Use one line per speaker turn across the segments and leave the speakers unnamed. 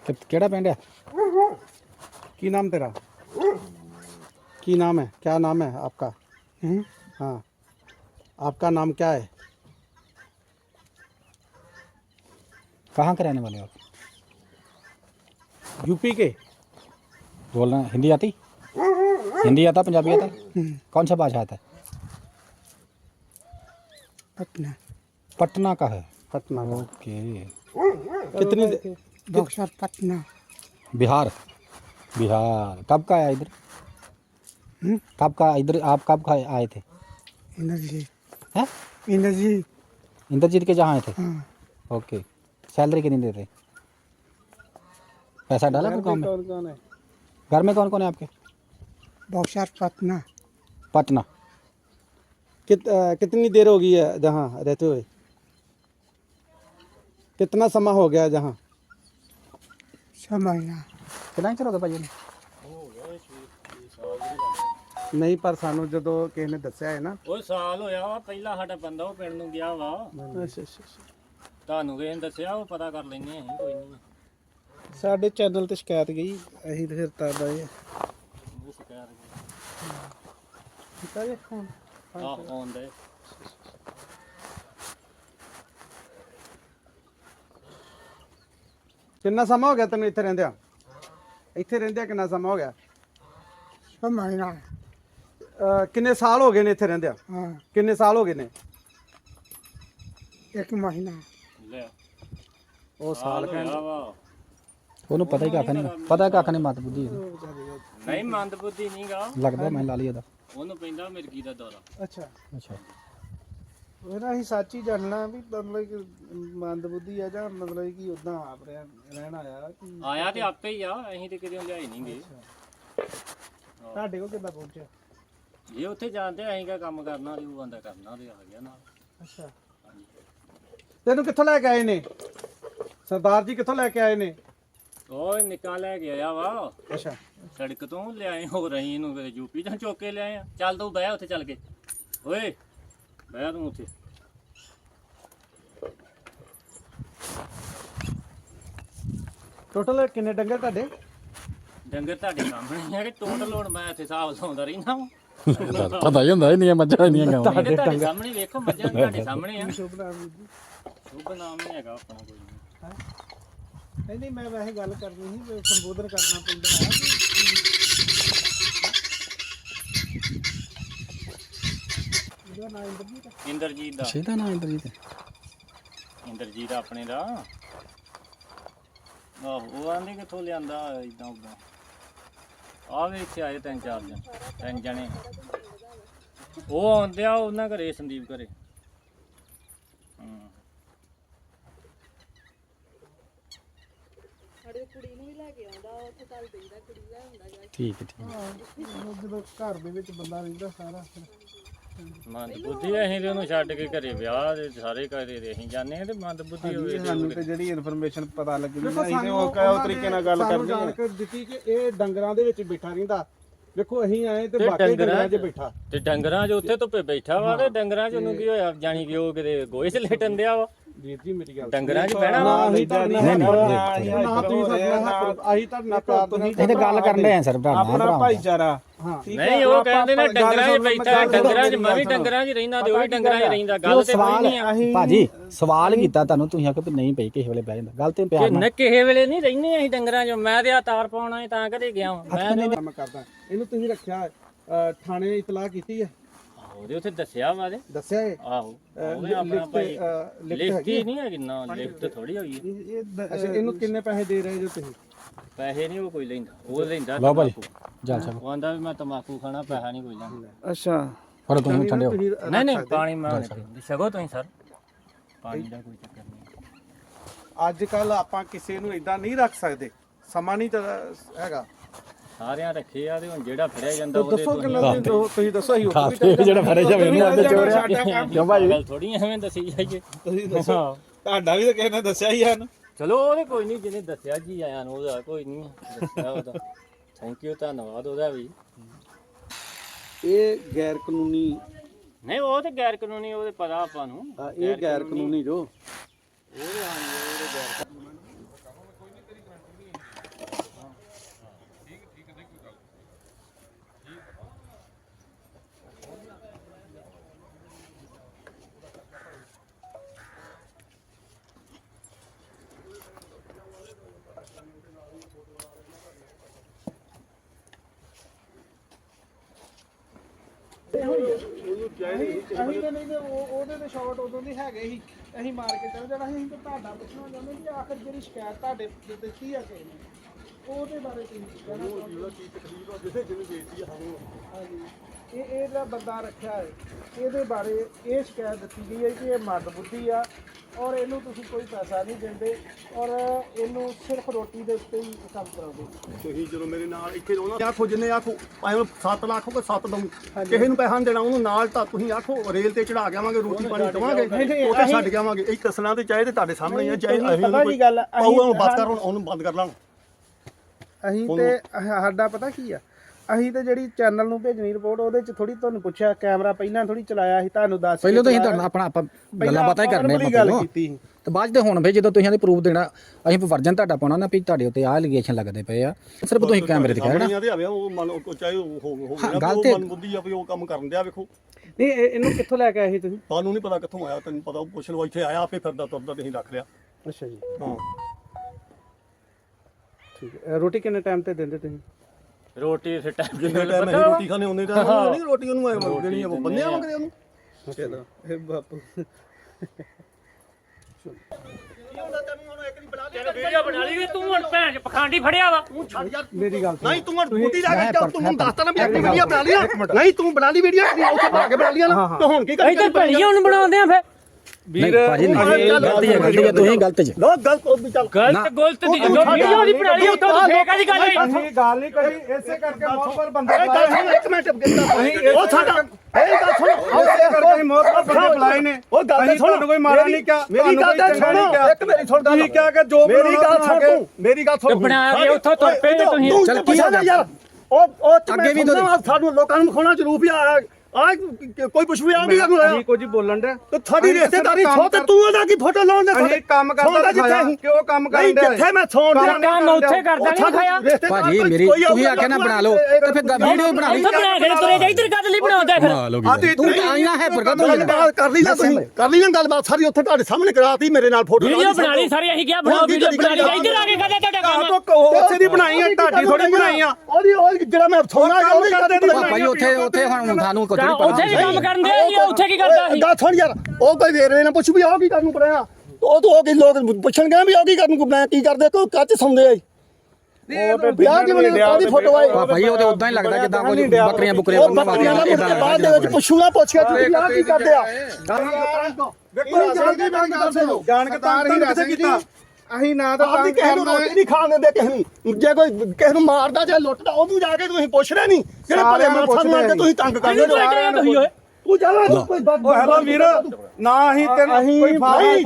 केड़ा पिंड है? की नाम तेरा? की नाम है? क्या नाम है आपका? हाँ, आपका नाम क्या है? कहाँ के रहने वाले हो आप? यूपी के? बोलना हिंदी आती? हिंदी आता, पंजाबी आता? कौन सा भाषा आता है?
पटना।
पटना का है? पटना का। ओके। कितनी
बक्सर पटना।
बिहार? बिहार। कब का आया इधर? कब का इधर? आप कब का आए थे?
इंद्रजीत।
हैं?
इंद्रजीत।
इंद्रजीत के जहाँ आए थे?
हाँ।
ओके। सैलरी कितनी देते? पैसा डाला कोई काम में?
कौन है?
घर में कौन कौन है आपके?
बक्सर पटना।
पटना। कितनी देर हो गई है जहाँ रहते हुए? कितना समय हो गया जहाँ?
6 महीना।
कितना ही चलोगे भाजी? ਨਹੀਂ ਪਰ ਸਾਨੂੰ ਜਦੋਂ ਕਿਸੇ ਨੇ ਦੱਸਿਆ ਹੈ ਨਾ
ਉਹ ਸਾਲ ਹੋਇਆ ਵਾ ਪਹਿਲਾਂ ਸਾਡਾ ਬੰਦਾ ਉਹ ਪਿੰਡ ਨੂੰ ਗਿਆ ਵਾ
ਅੱਛਾ ਅੱਛਾ।
ਤੁਹਾਨੂੰ ਕਿਸੇ ਨੇ ਦੱਸਿਆ ਉਹ ਪਤਾ ਕਰ ਲੈਣੇ ਅਸੀਂ ਕੋਈ ਨਹੀਂ
ਸਾਡੇ ਚੈਨਲ ਤੇ ਸ਼ਿਕਾਇਤ ਗਈ ਅਸੀਂ ਤੇ ਫਿਰ ਤਾਂ ਆਏ
ਉਹ ਸ਼ਿਕਾਇਤ
ਕੀਤਾ ਜੇ ਫੋਨ।
ਆਉਂਦੇ
ਕਿੰਨਾ ਸਮਾਂ ਹੋ ਗਿਆ ਤੈਨੂੰ ਇੱਥੇ ਰਹਿੰਦਿਆਂ? ਇੱਥੇ ਰਹਿੰਦਿਆਂ ਕਿੰਨਾ ਸਮਾਂ ਹੋ ਗਿਆ?
6 ਮਹੀਨਾ।
ਕਿੰਨੇ ਸਾਲ ਹੋ ਗਏ ਨੇ ਇੱਥੇ ਰਹਿੰਦਿਆਂ?
ਹਾਂ।
ਕਿੰਨੇ ਸਾਲ ਹੋ ਗਏ ਨੇ?
1 ਮਹੀਨਾ।
ਲੈ
ਉਹ ਸਾਲ
ਹੋਇਆ ਵਾ
ਉਹਨੂੰ ਪਤਾ ਹੀ ਕੱਖ ਨਹੀਂ, ਪਤਾ ਕੱਖ ਨਹੀਂ, ਮਤ ਬੁੱਧੀ
ਨਹੀਂ ਮੰਦ ਬੁੱਧੀ ਨਹੀਂਗਾ
ਲੱਗਦਾ ਮੈਂ ਲਾ ਲਈ ਉਹਦਾ।
ਉਹਨੂੰ ਪੈਂਦਾ ਮਿਰਗੀ ਦਾ ਦੌਰਾ
ਅੱਛਾ
ਅੱਛਾ।
ਉਹਦਾ ਅਸੀਂ ਸੱਚ ਹੀ ਜਾਣਨਾ ਵੀ ਮਤਲਬ ਕਿ ਮੰਦ ਬੁੱਧੀ ਆ ਜਾਂ ਮਤਲਬ ਕਿ ਉਦਾਂ ਆਪ ਰਹਿਣ ਆਇਆ ਕਿ
ਆਇਆ ਤੇ ਆਪੇ ਹੀ ਆ ਅਸੀਂ ਤੇ ਕਿਤੇ ਲਿਆਈ ਨਹੀਂ ਗਏ
ਤੁਹਾਡੇ ਕੋਲ ਕਿੱਦਾਂ ਪਹੁੰਚਿਆ?
ਜੇ ਉੱਥੇ ਜਾਂਦੇ ਅਸੀਂ ਕਿਆ ਕੰਮ ਕਰਨਾ ਤੇ ਉਹ ਬੰਦਾ ਕਰਨਾ ਤੇ ਆ ਗਿਆ ਨਾਲ
ਅੱਛਾ।
ਤੈਨੂੰ ਕਿੱਥੋਂ ਲੈ ਕੇ ਆਏ ਨੇ ਸਰਦਾਰ ਜੀ? ਕਿੱਥੋਂ ਲੈ ਕੇ ਆਏ ਨੇ?
ਉਹ ਨਿੱਕਾ ਲੈ ਕੇ ਆਇਆ ਵਾ
ਅੱਛਾ।
ਸੜਕ ਤੋਂ ਲਿਆਏ ਹੋ ਰਹੀ ਇਹਨੂੰ ਫਿਰ ਯੂਪੀ ਤੋਂ ਚੁੱਕ ਕੇ ਲਿਆਏ ਆ ਚੱਲ ਤੂੰ ਬਹਿ ਉੱਥੇ ਚੱਲ ਕੇ ਓਏ ਬਹਿ ਤੂੰ ਉੱਥੇ
ਟੋਟਲ ਕਿੰਨੇ ਡੰਗਰ ਤੁਹਾਡੇ?
ਡੰਗਰ ਤੁਹਾਡੇ ਸਾਹਮਣੇ ਹੈ ਕਿ ਟੋਟਲ ਹੁਣ ਮੈਂ ਇੱਥੇ ਹਿਸਾਬ ਲਾਉਂਦਾ ਰਹਿਣਾ ਵਾ
ਪਤਾ ਹੀ ਹੁੰਦਾ ਇੰਨੀਆਂ ਮੱਝਾਂ ਇੰਨੀਆਂ ਗਾਵਾਂ।
ਤੁਹਾਡੇ ਸਾਹਮਣੇ ਵੇਖੋ ਮੱਝਾਂ ਤੁਹਾਡੇ ਸਾਹਮਣੇ ਆ
ਸ਼ੁਭ ਨਾਮ ਜੀ।
ਸ਼ੁਭ ਨਾਮ ਨਹੀਂ ਹੈਗਾ ਆਪਣਾ ਕੋਈ
ਨਹੀਂ ਨਹੀਂ ਮੈਂ ਵੈਸੇ ਗੱਲ ਕਰਨੀ ਸੀ ਵੀ ਸੰਬੋਧਨ ਕਰਨਾ ਪੈਂਦਾ ਹੈ ਇਹਦਾ ਨਾਮ ਇੰਦਰਜੀਤ ਹੈ।
ਇੰਦਰਜੀਤ ਦਾ
ਇਹਦਾ ਨਾਂ ਇੰਦਰਜੀਤ ਹੈ?
ਇੰਦਰਜੀਤ ਆਪਣੇ ਦਾ ਆਹੋ ਉਹ ਆਂਦੇ ਕਿੱਥੋਂ ਲਿਆਂਦਾ ਇਦਾਂ ਉਦਾਂ ਆ ਵੀ ਇੱਥੇ ਆਏ 3 ਜਣੇ ਉਹ ਆਉਂਦੇ ਆ ਉਹਨਾਂ ਘਰੇ ਸੰਦੀਪ ਘਰੇ
ਠੀਕ ਹੈ ਠੀਕ ਹੈ।
ਉਹ ਜਦੋਂ ਘਰ ਦੇ ਵਿੱਚ ਬੰਦਾ ਰਹਿੰਦਾ ਸਾਰਾ
ਮੰਦ ਬੁੱਧੀ ਅਸੀਂ ਤੇ ਉਹਨੂੰ ਛੱਡ ਕੇ ਘਰੇ ਵਿਆਹ ਦੇ ਸਾਰੇ ਘਰੇ ਦੇ ਅਸੀਂ ਜਾਂਦੇ ਆ ਤੇ ਮੰਦ ਬੁੱਧੀ ਹੋਵੇ
ਸਾਨੂੰ ਤੇ ਜਿਹੜੀ ਇਨਫੋਰਮੇਸ਼ਨ ਪਤਾ ਲੱਗੀ
ਦੇਖੋ
ਅਸੀਂ ਤੇ
ਸਾਨੂੰ
ਉਹ ਤਰੀਕੇ ਨਾਲ ਗੱਲ
ਸਾਨੂੰ
ਕਰਦੇ ਹਾਂ।
ਜਾਣਕਾਰੀ ਦਿੱਤੀ ਕਿ ਇਹ ਡੰਗਰਾਂ ਦੇ ਵਿੱਚ ਬੈਠਾ ਰਹਿੰਦਾ। ਦੇਖੋ ਅਸੀਂ ਆਏ ਤੇ
ਤੇ
ਵਾਕਈ
ਡੰਗਰਾਂ
ਡੰਗਰਾਂ 'ਚ ਬੈਠਾ।
ਤੇ ਡੰਗਰਾਂ 'ਚ ਉੱਥੇ ਧੁੱਪੇ ਬੈਠਾ ਵਾ ਤੇ ਡੰਗਰਾਂ 'ਚ ਉਹਨੂੰ ਕੀ ਹੋਇਆ ਜਾਣੀ ਕਿ ਉਹ ਕਿਤੇ ਗੋਹੇ 'ਚ ਲੇਟਣ ਦਿਆ ਵਾ
ਵੀਰ ਜੀ ਮੇਰੀ ਗੱਲ
ਡੰਗਰਾਂ 'ਚ ਬਹਿਣਾ
ਨਾ
ਵਾ
ਅਸੀਂ ਤਾਂ
ਨਹੀਂ,
ਨਹੀਂ
ਨਹੀਂ,
ਨਾ ਤੁਸੀਂ ਸਾਡੇ ਨਾਲ ਅਸੀਂ ਤਾਂ ਨਾ ਪਿਆਰ ਦੇ ਨਾਲ
ਇਹ ਤਾਂ ਗੱਲ ਕਰਨ
ਦੇ ਆ ਸਰ
ਆਪਣਾ ਭਾਈਚਾਰਾ
ਹਾਂ।
ਨਹੀਂ ਉਹ ਕਹਿੰਦੇ ਨੇ ਡੰਗਰਾਂ 'ਚ ਬੈਠਾ ਡੰਗਰਾਂ 'ਚ ਮੈਂ ਵੀ ਡੰਗਰਾਂ 'ਚ ਰਹਿੰਦਾ ਤੇ ਉਹ ਵੀ ਡੰਗਰਾਂ 'ਚ ਰਹਿੰਦਾ ਗੱਲ ਤੇ ਕੋਈ ਨਹੀਂ ਆ
ਭਾਜੀ ਸਵਾਲ ਕੀਤਾ ਤੁਹਾਨੂੰ, ਤੁਸੀਂ ਆਖੋ ਵੀ ਨਹੀਂ ਪਈ ਕਿਸੇ ਵੇਲੇ ਬਹਿ ਜਾਂਦਾ। ਗੱਲ ਤੇ ਪਿਆਰ ਨਾਲ
ਕਿਸੇ ਵੇਲੇ ਨਹੀਂ ਰਹਿੰਦੇ ਅਸੀਂ ਡੰਗਰਾਂ 'ਚ ਮੈਂ ਤੇ ਆ ਤਾਰ ਪਾਉਣਾ ਹੈ ਤਾਂ ਕਦੇ ਗਿਆ ਵਾਂ। ਮੈਂ
ਕੰਮ ਕਰਦਾ। ਇਹਨੂੰ ਤੁਸੀਂ ਰੱਖਿਆ ਥਾਣੇ ਇਤਲਾਹ ਕੀਤੀ ਹੈ?
ਉਹਦੇ ਉੱਥੇ ਦੱਸਿਆ ਵਾ ਦੇ
ਦੱਸਿਆ ਹੈ?
ਆਹੋ ਉਹਨੇ ਆਪਣਾ ਭਾਈ ਲਿਖਤੀ
ਹੈਗੀ?
ਨਹੀਂ ਹੈਗੀ ਨਾ ਲਿਖਤ ਥੋੜੀ ਹੋਈ ਹੈ
ਅੱਛਾ ਇਹਨੂੰ ਕਿੰਨੇ ਪੈਸੇ ਦੇ ਰਹੇ ਜੋ ਤੁਸੀਂ?
ਪੈਸੇ ਨਹੀਂ ਉਹ ਕੋਈ ਲੈਂਦਾ ਉਹ ਲੈਂਦਾ
ਲਓ ਭਾਜੀ
ਤੰਬਾਕੂ।
ਜਲ ਸਾਹਿਬ
ਉਹ ਆਂਦਾ ਵੀ ਮੈਂ ਤਮਾਕੂ ਖਾਣਾ ਪੈਸਾ ਨਹੀਂ ਕੋਈ ਲੈਂਦਾ
ਅੱਛਾ।
ਪਰ ਤੁਸੀਂ ਠੰਡੇ ਹੋ।
ਨਹੀਂ ਨਹੀਂ ਪਾਣੀ ਮੈਂ ਛਕੋ ਤੁਸੀਂ ਸਰ ਪਾਣੀ ਦਾ ਕੋਈ ਚੱਕਰ ਨਹੀਂ
ਅੱਜ ਕੱਲ ਆਪਾਂ ਕਿਸੇ ਨੂੰ ਇਦਾਂ ਨਹੀਂ ਰੱਖ ਸਕਦੇ, ਸਮਾਂ ਨਹੀਂ ਤਾਂ ਹੈਗਾ।
ਸਾਰਿਆਂ ਰੱਖੇ ਆ ਤੇ ਹੁਣ ਜਿਹੜਾ ਫੜਿਆ ਜਾਂਦਾ
ਦੱਸੋ ਕਿੰਨਾ ਤੁਸੀਂ ਦੱਸੋ ਅਸੀਂ
ਜਿਹੜਾ ਫੜੇ ਜਾਵੇ ਉਹਨੂੰ ਆਂਦੇ ਚੋਰਿਆ ਕਿਉਂ ਭਾਈ?
ਗੱਲ ਥੋੜੀ ਐਵੇਂ ਦੱਸੀ ਜਾਈਏ
ਤੁਸੀਂ ਦੱਸੋ ਤੁਹਾਡਾ ਵੀ ਤਾਂ ਕਿਸੇ ਨੇ ਦੱਸਿਆ ਹੀ ਹਨ।
ਚਲੋ ਉਹਨੇ ਕੋਈ ਨਹੀਂ ਜਿਹਨੇ ਦੱਸਿਆ ਜੀ ਆਇਆ ਨੂੰ ਉਹਦਾ ਕੋਈ ਨਹੀਂ ਦੱਸਿਆ ਉਹਦਾ ਥੈਂਕ ਯੂ ਧੰਨਵਾਦ ਉਹਦਾ ਵੀ।
ਇਹ ਗੈਰ ਕਾਨੂੰਨੀ
ਨਹੀਂ ਉਹ ਤੇ ਗੈਰ ਕਾਨੂੰਨੀ ਉਹਦੇ ਪਤਾ ਆਪਾਂ ਨੂੰ
ਇਹ ਗੈਰ ਕਾਨੂੰਨੀ ਜੋ
ਉਹਦੇ ਹਾਂ ਉਹਦੇ ਗੈਰ
ਅਸੀਂ ਤਾਂ ਨਹੀਂ ਤੇ ਉਹਦੇ ਤੇ ਸ਼ਾਟ ਉਦੋਂ ਦੀ ਹੈਗੇ ਸੀ ਅਸੀਂ ਮਾਰ ਕੇ ਚੱਲ ਜਾਣਾ ਸੀ। ਅਸੀਂ ਤਾਂ ਤੁਹਾਡਾ ਪੁੱਛਣਾ ਚਾਹੁੰਦੇ ਵੀ ਆਖਰ ਜਿਹੜੀ ਸ਼ਿਕਾਇਤ ਤੁਹਾਡੇ ਦਿੱਤੀ ਆ ਕਿਸੇ ਨੇ ਉਹਦੇ ਬਾਰੇ ਤੁਸੀਂ ਕਹਿਣਾ ਹਾਂਜੀ ਇਹਦਾ ਬੰਦਾ ਰੱਖਿਆ ਹੈ ਇਹਦੇ ਬਾਰੇ ਇਹ ਸ਼ਿਕਾਇਤ ਦਿੱਤੀ ਗਈ ਹੈ ਕਿ ਇਹ ਮੰਦਬੁੱਧੀ ਆ ਔਰ ਇਹਨੂੰ ਤੁਸੀਂ ਕੋਈ ਪੈਸਾ ਨਹੀਂ ਦਿੰਦੇ ਔਰ ਇਹਨੂੰ ਸਿਰਫ ਰੋਟੀ ਦੇ ਉੱਤੇ ਹੀ ਕੰਮ ਕਰਾਉਂਦੇ।
ਤੁਸੀਂ ਜਦੋਂ ਮੇਰੇ ਨਾਲ ਇੱਥੇ ਰੋਣਾ ਆਖੋ ਜਿੰਨੇ ਆਖੋ ਭਾਵੇਂ 7 ਲੱਖ ਕੋ 7 ਦਊਂ ਕਿਸੇ ਨੂੰ ਪੈਸਾ ਨਹੀਂ ਦੇਣਾ ਉਹਨੂੰ ਨਾਲ ਤਾਂ ਤੁਸੀਂ ਆਖੋ ਰੇਲ ਤੇ ਚੜਾ ਕੇ ਆਵਾਂਗੇ ਰੋਟੀ ਪਾਣੀ ਦਵਾਂਗੇ ਉੱਥੇ ਛੱਡ ਕੇ ਆਵਾਂਗੇ ਇਹ ਦੱਸਣਾ ਤੇ ਚਾਹੇ ਤੇ ਤੁਹਾਡੇ ਸਾਹਮਣੇ ਹੀ ਆ ਚਾਹੇ ਅਸੀਂ ਉਹਨੂੰ ਬੰਦ ਕਰ ਉਹਨੂੰ ਬੰਦ ਕਰ ਲਾਂਗੇ।
ਅਸੀਂ ਤੇ ਸਾਡਾ ਪਤਾ ਕੀ ਆ ਅਸੀਂ ਤੇ ਜਿਹੜੀ ਚੈਨਲ ਨੂੰ ਭੇਜਣੀ ਰਿਪੋਰਟ ਉਹਦੇ ਚ ਥੋੜੀ ਤੁਹਾਨੂੰ ਪੁੱਛਿਆ ਕੈਮਰਾ ਪਹਿਲਾਂ ਥੋੜੀ ਚਲਾਇਆ ਸੀ ਤੁਹਾਨੂੰ ਦੱਸ
ਪਹਿਲਾਂ ਤਾਂ ਅਸੀਂ ਤੁਹਾਡਾ ਆਪਣਾ ਆਪਾਂ ਗੱਲਾਂ ਬਾਤਾਂ ਹੀ ਕਰਨੇ ਆਪਾਂ
ਗੱਲ ਕੀਤੀ ਸੀ
ਤੇ ਬਾਅਦ ਚ ਹੁਣ ਫੇ ਜਦੋਂ ਤੁਸੀਂ ਇਹਦੇ ਪ੍ਰੂਫ ਦੇਣਾ ਅਸੀਂ ਵਰਜਨ ਤੁਹਾਡਾ ਪਾਉਣਾ ਨਾ ਵੀ ਤੁਹਾਡੇ ਉੱਤੇ ਆਹ ਐਲੀਗੇਸ਼ਨ ਲੱਗਦੇ ਪਏ ਆ ਸਿਰਫ ਤੁਸੀਂ ਕੈਮਰੇ ਤੇ ਕਹਿਣਾ
ਉਹ ਮੰਨ ਚਾਹੇ ਹੋ
ਗੱਲ ਤੇ
ਮਨ ਬੁੱਧੀ ਆ ਵੀ ਉਹ ਕੰਮ ਕਰਨ ਦਿਆ ਵੇਖੋ
ਨਹੀਂ ਇਹਨੂੰ ਕਿੱਥੋਂ ਲੈ ਕੇ ਆਏ ਸੀ ਤੁਸੀਂ?
ਤੁਹਾਨੂੰ ਨਹੀਂ ਪਤਾ ਕਿੱਥੋਂ ਆਇਆ ਤੈਨੂੰ ਪਤਾ ਪੁੱਛ ਲਓ ਇੱਥੇ ਆਇਆ ਆਪੇ ਫਿਰਦਾ ਤੁਰਦਾ ਤੁਸੀਂ ਰੱਖ ਲਿਆ
ਅੱਛਾ ਜੀ
ਹਾਂ
ਠੀਕ ਹੈ ਰੋਟੀ ਕਿੰਨੇ ਟਾਈਮ ਤੇ ਦਿੰਦੇ ਤੁਸੀਂ?
ਰੋਟੀ ਫਿਰ ਟਾਈਮ
ਜਿੰਨੇ ਟਾਈਮ ਅਸੀਂ ਰੋਟੀ ਖਾਣੇ ਉਹਨੇ ਟਾਈਮ ਨਹੀਂ ਰੋਟੀ ਉਹਨੂੰ ਐ ਦੇਣੀ ਆ ਬੰਨਿਆ ਮੰਗਦੇ ਉਹਨੂੰ
ਚਲੋ ਇਹ ਬਾਪੂ
ਵੀਡੀਓ ਬਣਾ ਲਈ ਤੂੰ ਹੁਣ ਭੈਣ ਚ ਪਖੰਡੀ ਫੜਿਆ ਵਾ
ਮੇਰੀ ਗੱਲ
ਨਹੀਂ ਤੂੰ ਹੁਣ ਬੁੱਢੀ ਲਾ ਕੇ ਤੂੰ ਹੁਣ ਦੱਸਤਾ ਨਾ ਵੀ ਆਪਣੀ ਵੀਡੀਓ ਬਣਾ ਲਿਆ ਨਹੀਂ ਤੂੰ ਬਣਾ ਲਈ ਵੀਡੀਓ ਉੱਥੇ ਬਣਾ ਕੇ ਬਣਾ ਲਿਆ ਨਾ ਤੇ ਹੁਣ ਕੀ
ਇੱਧਰ ਭੈਣੀਆਂ ਹੁਣ ਬਣਾਉਂਦੇ ਆ ਫਿਰ
ਨਹੀਂ ਭਾਜੀ ਨਹੀਂ ਗਲਤੀ ਹੈ ਤੁਸੀਂ ਗਲਤ ਜੀ
ਲੋ ਗਲਤ ਉਹ ਵੀ ਚੱਲ
ਗਲਤ ਦੀ ਜੋ ਵੀਡੀਓ ਦੀ ਬਣਾ ਲਈ ਉੱਥੋਂ ਤੋਂ ਫੇਕ ਦੀ ਗੱਲ ਹੈ
ਅਸੀਂ ਗੱਲ ਨਹੀਂ ਕਰੀ ਇਸੇ ਕਰਕੇ ਮੋਹਬਰ ਬੰਦੇ
ਇਹ ਗੱਲ ਸੁਣ ਇੱਕ ਮਿੰਟ ਉਹ ਸਾਡਾ ਇਹ ਗੱਲ ਸੁਣ
ਇਸੇ ਕਰਕੇ ਮੋਹਬਰ ਬੰਦੇ ਬੁਲਾਏ ਨੇ
ਉਹ ਗੱਲ ਸੁਣ
ਤੁਹਾਨੂੰ ਕੋਈ ਮਾਰਾ ਨਹੀਂ ਕਿਹਾ
ਮੇਰੀ ਗੱਲ ਤਾਂ ਸੁਣ ਇੱਕ ਮੇਰੀ ਸੁਣ
ਤੁਸੀਂ ਕਿਹਾ ਕਿ ਜੋ
ਮੇਰੀ ਗੱਲ ਸੁਣ ਤੂੰ ਮੇਰੀ ਗੱਲ ਸੁਣ
ਬਣਾ ਕੇ ਉੱਥੋਂ ਤੁਰ ਪਏ ਤੇ ਤੁਸੀਂ
ਚੱਲ ਕੀ ਹੋ ਗਿਆ ਯਾਰ ਉਹ ਅੱਗੇ ਵੀ ਸਾਨੂੰ ਲੋਕਾਂ ਨੂੰ ਵਿਖਾਉਣਾ ਜ਼ਰੂਰ ਵੀ ਆ ਕੋਈ ਪੁੱਛ ਵੀ ਆ ਵੀ ਕਰਨੂੰ
ਅਸੀਂ ਕੁਝ ਬੋਲਣ ਦੇ
ਤੇ ਤੁਹਾਡੀ ਰਿਸ਼ਤੇਦਾਰੀ ਛੋ ਤੇ ਤੂੰ ਉਹਦਾ ਕੀ ਫੋਟੋ ਲਾਉਣ ਦੇ
ਅਸੀਂ ਕੰਮ ਕਰਦਾ ਜਿੱਥੇ ਕਿਉਂ ਕੰਮ
ਨਹੀਂ
ਕਰਦੇ
ਜਿੱਥੇ ਮੈਂ ਸੌਣ
ਕੰਮ ਉੱਥੇ ਕਰਦਾ ਨਹੀਂ ਖਾਇਆ
ਭਾਜੀ ਮੇਰੀ ਤੁਸੀਂ ਆਖਿਆ ਨਾ ਬਣਾ ਲਓ ਤੇ ਫਿਰ ਵੀਡੀਓ ਬਣਾ ਲਈ
ਉੱਥੇ ਬਣਾ ਕੇ ਤੁਰੇ ਜਾ ਇੱਧਰ ਕਦ ਲਈ ਬਣਾਉਂਦਾ ਫਿਰ
ਤੂੰ ਤਾਂ ਆਈਆਂ ਹੈ ਪਰ ਕਦੋਂ
ਕਰ ਲਈ ਨਾ ਤੁਸੀਂ ਕਰ ਲਈ ਨਾ ਗੱਲਬਾਤ ਸਾਰੀ ਉੱਥੇ ਤੁਹਾਡੇ ਸਾਹਮਣੇ ਕਰਾਤੀ ਮੇਰੇ ਨਾਲ ਫੋਟੋ
ਵੀਡੀਓ ਬਣਾ ਲਈ ਸਾਰੀ ਅਸੀਂ ਕਿਹਾ ਬਣਾਓ ਵੀਡੀਓ ਬਣਾ ਲਈ ਇੱਧਰ ਆ ਕੇ ਕਹਦਾ ਤੁਹਾਡਾ ਕੰਮ
ਉਸੇ ਦੀ ਬਣਾਈ ਆ ਢਾਡੀ ਥੋੜੀ ਬਣਾਈ ਆ
ਉਹਦੀ ਉਹ ਜਿਹੜਾ ਮੈਂ ਸੌਣਾ ਉਹਦੀ ਕਰਦੇ
ਭਾਜੀ ਉੱਥੇ ਹੁਣ ਸਾਨੂੰ ਕੁਝ ਨਹੀਂ
ਉੱਥੇ ਵੀ ਕੰਮ ਕਰਨ ਦੇ ਉੱਥੇ ਕੀ ਕਰਦਾ ਸੀ
ਗੱਲ ਸੁਣ ਯਾਰ ਉਹ ਕੋਈ ਵੇਰਵੇ ਨਾ ਪੁੱਛ ਵੀ ਆਹ ਕੀ ਕਰਨ ਨੂੰ ਪੜਿਆ ਉਹ ਤੋਂ ਕੀ ਲੋਕ ਪੁੱਛਣਗੇ ਵੀ ਆਹ ਕੀ ਕਰਨ ਨੂੰ ਮੈਂ ਕੀ ਕਰਦੇ ਕੋਈ ਕੱਚ ਸੌਂਦੇ ਆ ਵਿਆਹ ਕਿਵੇਂ ਉਹਦੀ ਫੋਟੋ ਆਈ
ਭਾਜੀ ਉਹ ਤੇ ਉਦਾਂ ਹੀ ਲੱਗਦਾ ਜਿੱਦਾਂ ਕੋਈ ਬੱਕਰੀਆਂ ਬੁਕਰੀਆਂ
ਉਹ ਬੱਕਰੀਆਂ ਦਾ ਮੁੱਦੇ ਬਾਅਦ ਦੇ ਵਿੱਚ ਪੁੱਛੂਗਾ ਪੁੱਛਿਆ ਤੁਸੀਂ ਆਹ ਕੀ ਕਰਦੇ ਆ
ਜਾਣ ਕੇ ਤਾਂ ਕਿੱਥੇ ਕੀਤਾ ਅਸੀਂ ਨਾ ਤਾਂ
ਆਪਦੀ ਕਿਸੇ ਨੂੰ ਰੋਟੀ ਨਹੀਂ ਖਾਣ ਦਿੰਦੇ ਕਿਸੇ ਨੂੰ ਜੇ ਕੋਈ ਕਿਸੇ ਨੂੰ ਮਾਰਦਾ ਜਾਂ ਲੁੱਟਦਾ ਉਹਨੂੰ ਜਾ ਕੇ ਤੁਸੀਂ ਪੁੱਛਦੇ ਨਹੀਂ ਜਿਹੜੇ ਭਲੇ ਮਾਨਸਾਂ ਨੂੰ ਆ ਕੇ ਤੁਸੀਂ ਤੰਗ ਕਰਦੇ ਹੋ ਤੂੰ ਜਾ ਕੋਈ
ਹੈਲੋ ਵੀਰ ਨਾ ਅਸੀਂ ਤੈਨੂੰ ਕੋਈ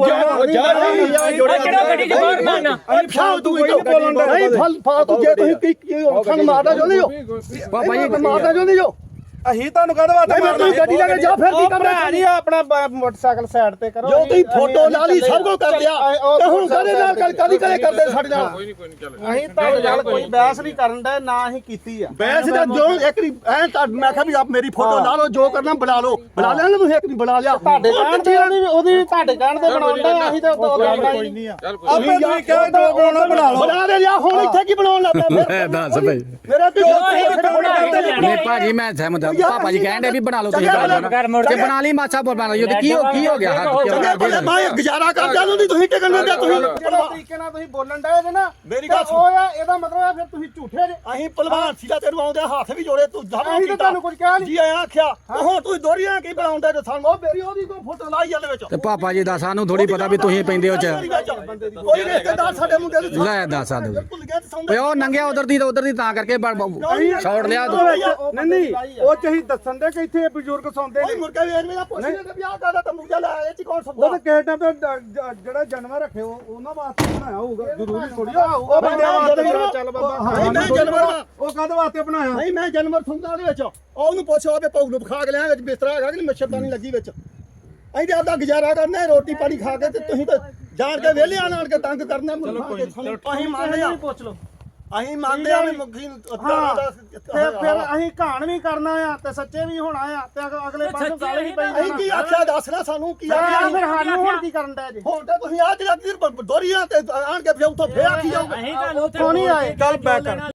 ਕਿਹੜਾ ਗੱਡੀ ਚ ਬਾਹਰ ਮਾਰਨਾ
ਫਾਲਤੂ ਬੋਲਣ ਦਾ ਨਹੀਂ ਫਾਲਤੂ ਜੇ ਤੁਸੀਂ ਕੀ ਸਾਨੂੰ ਮਾਰਦਾ ਚਾਹੁੰਦੇ ਹੋ
ਭਾਜੀ
ਮਾਰਦਾ ਚਾਹੁੰਦੇ ਹੋ
ਅਸੀਂ ਤੁਹਾਨੂੰ ਕਹਦਾ ਵਾਸਤੇ
ਮੈਂ ਤੁਸੀਂ ਗੱਡੀ ਲੈ ਕੇ ਜਾ ਫਿਰ ਕੀ ਕਰ
ਭਰਾ ਜੀ ਆਪਣਾ ਮੋਟਰਸਾਈਕਲ ਸਾਈਡ ਤੇ ਕਰੋ
ਜੋ ਤੁਸੀਂ ਫੋਟੋ ਲਾ ਲਈ ਸਭ ਕੁਝ ਕਰ ਲਿਆ ਤੇ ਹੁਣ ਕਦੇ ਨਾਲ ਕਦੀ ਕਰਦੇ ਸਾਡੇ ਨਾਲ
ਅਸੀਂ ਤੁਹਾਡੇ ਨਾਲ ਕੋਈ ਬਹਿਸ ਨਹੀਂ ਕਰਨ ਦਾ ਨਾ ਅਸੀਂ ਕੀਤੀ ਆ
ਬੈਸ ਦਾ ਜੋ ਇੱਕ ਮੈਂ ਕਿਹਾ ਵੀ ਆਪ ਮੇਰੀ ਫੋਟੋ ਲਾ ਲਓ ਜੋ ਕਰਨਾ ਬਣਾ ਲਓ ਬਣਾ ਲਿਆ ਨਾ ਤੁਸੀਂ ਇੱਕ ਨਹੀਂ ਬਣਾ ਲਿਆ
ਤੁਹਾਡੇ ਕਹਿਣ ਤੇ ਉਹਦੀ ਤੁਹਾਡੇ ਕਹਿਣ ਤੇ ਬਣਾਉਂਦਾ ਅਸੀਂ ਤਾਂ ਕੋਈ ਨਹੀਂ ਆ ਆਪੇ ਤੁਸੀਂ ਕਹੇ ਤਾਂ ਬਣਾਉਣਾ ਬਣਾ ਲਓ
ਬਣਾ ਦੇ ਲਿਆ ਹੁਣ ਇੱਥੇ ਕੀ ਬਣਾਉਣ ਲੱਗ ਪਿਆ
ਦੱਸ ਭਾਈ
ਮੇਰਾ ਕੀ
ਨਹੀਂ ਭਾਜੀ ਮੈਂ ਸਹਿਮਤ ਹਾਂ ਪਾਪਾ ਜੀ ਕਹਿੰਦੇ ਵੀ ਬਣਾ ਲਓ ਤੁਸੀਂ ਤੇ ਬਣਾ ਲਈ ਮਾਛਾ ਬਣਾ ਲਓ ਕੀ ਹੋ ਗਿਆ ਹੱਥ
ਮੈਂ ਗੁਜ਼ਾਰਾ ਕਰਦਾ ਨਹੀਂ ਤੁਸੀਂ ਟਿਕਣ ਦਿੰਦੇ ਤੁਸੀਂ
ਤਰੀਕੇ ਨਾਲ ਤੁਸੀਂ ਬੋਲਣ ਡਏ ਜੇ ਨਾ
ਮੇਰੀ ਗੱਲ
ਉਹ ਆ ਇਹਦਾ ਮਤਲਬ ਹੈ ਫਿਰ ਤੁਸੀਂ ਝੂਠੇ ਜੇ
ਅਸੀਂ ਪਹਿਲਵਾਨ ਸੀਗਾ ਤੈਨੂੰ ਆਉਂਦੇ ਹੱਥ ਵੀ ਜੋੜੇ ਤੂੰ
ਅਸੀਂ ਤਾਂ ਤੁਹਾਨੂੰ ਕੁਝ ਕਿਹਾ ਨਹੀਂ
ਜੀ ਆਇਆ ਆਖਿਆ ਹੁਣ ਤੂੰ ਦੋਰੀਆਂ ਕੀ ਬਣਾਉਂਦਾ ਤੇ ਸਾਨੂੰ ਉਹ ਮੇਰੀ ਉਹਦੀ ਕੋਈ ਫੋਟੋ ਲਾਈ ਜਾਂਦੇ ਵਿੱਚ
ਤੇ ਪਾਪਾ ਜੀ ਦਾ ਸਾਨੂੰ ਥੋੜੀ ਪਤਾ ਵੀ ਤੁਸੀਂ ਪੈਂਦੇ ਹੋ ਚ
ਕੋਈ ਰਿਸ਼ਤੇਦਾਰ ਸਾਡੇ ਮੁੰਡੇ ਨੂੰ
ਲੈ ਦੱਸ ਆ ਦੋ
ਭੁੱਲ ਗਿਆ ਤੇ ਸੌਂਦੇ
ਓਏ ਉਹ ਨੰਗਿਆ ਉਧਰ ਦੀ ਤਾਂ ਕਰਕੇ ਛੋੜ ਲਿਆ
ਨਹੀਂ ਉਹ ਚਾਹੀ ਦੱਸਣ ਦੇ ਕਿ ਇੱਥੇ ਬਜ਼ੁਰਗ ਸੌਂਦੇ
ਕੋਈ
ਨੇ
ਮੁਰਗਾ ਵੇਰ ਮੇਰਾ ਪੁੱਛਦੇ ਤੇ ਵਿਆਹ ਕਰਦਾ ਤੰਬੂਜਾ ਲਾਇਆ ਇਹ ਚ ਕੌਣ
ਉਹ
ਸੌਂਦਾ
ਤਾਂ ਕਿਸੇ ਟਾਈਮ ਤੇ ਜਿਹੜਾ ਜਾਨਵਰ ਰੱਖੇ ਉਹਨਾਂ ਵਾਸਤੇ ਬਣਾਇਆ ਹੋਊਗਾ ਜ਼ਰੂਰੀ ਥੋੜੀ ਉਹ ਬੰਦਿਆਂ ਵਾਸਤੇ ਚੱਲ ਬਾਬਾ
ਨਹੀਂ ਮੈਂ ਜਾਨਵਰ
ਉਹ ਕਾਹਦੇ ਵਾਸਤੇ ਬਣਾਇਆ
ਨਹੀਂ ਮੈਂ ਜਾਨਵਰ ਸੁਣਦਾ ਉਹਦੇ ਵਿੱਚ ਉਹਨੂੰ ਪੁੱਛੋ ਆਪੇ ਪੌਗ ਨੂੰ ਖਾ ਕੇ ਲਿਆ ਵਿੱਚ ਬਿਸਤਰਾ ਹੈਗਾ ਕਿ ਮੱਛਰਦਾਨੀ ਲੱਗੀ ਵਿੱਚ ਅਸੀਂ ਤੇ ਆਪਦਾ ਗੁਜ਼ਾਰਾ ਕਰਨਾ ਰੋਟੀ ਪਾਣੀ ਖਾ ਕੇ ਤੇ ਤੁਸੀਂ ਤਾਂ ਜਾਣ ਕੇ ਵਿਹਲੇ ਆਣ ਕੇ ਤੰਗ ਕਰਨਾ ਅਸੀਂ ਮੰਨਦੇ ਆ
ਪੁੱਛ ਲਓ
ਅਸੀਂ ਮੰਨਦੇ ਆ ਵੀ ਮੁਖੀ
ਫਿਰ ਅਸੀਂ ਕਹਾਣ ਵੀ ਕਰਨਾ ਆ ਤੇ ਸੱਚੇ ਵੀ ਹੋਣਾ ਆ ਤੇ ਅਗਲੇ ਪਾਸੇ ਗੱਲ ਹੀ ਪਈ
ਅਸੀਂ ਕੀ ਆਖਿਆ ਦੱਸਣਾ ਸਾਨੂੰ ਕੀ
ਫਿਰ
ਆਖਿਆ
ਸਾਨੂੰ ਹੁਣ ਕੀ ਕਰਨ ਦਾ ਜੀ
ਹੁਣ ਤੇ ਤੁਸੀਂ ਆ ਜਿਹੜਾ ਦੋਰੀਆਂ ਤੇ ਆਣ ਕੇ ਫਿਰ ਉੱਥੋਂ ਫੇਰ ਆਖੀ ਜਾਓਗੇ
ਅਸੀਂ ਤੁਹਾਨੂੰ
ਉੱਥੋਂ ਨਹੀਂ ਆਏ
ਚੱਲ ਬੈਕ ਕਰ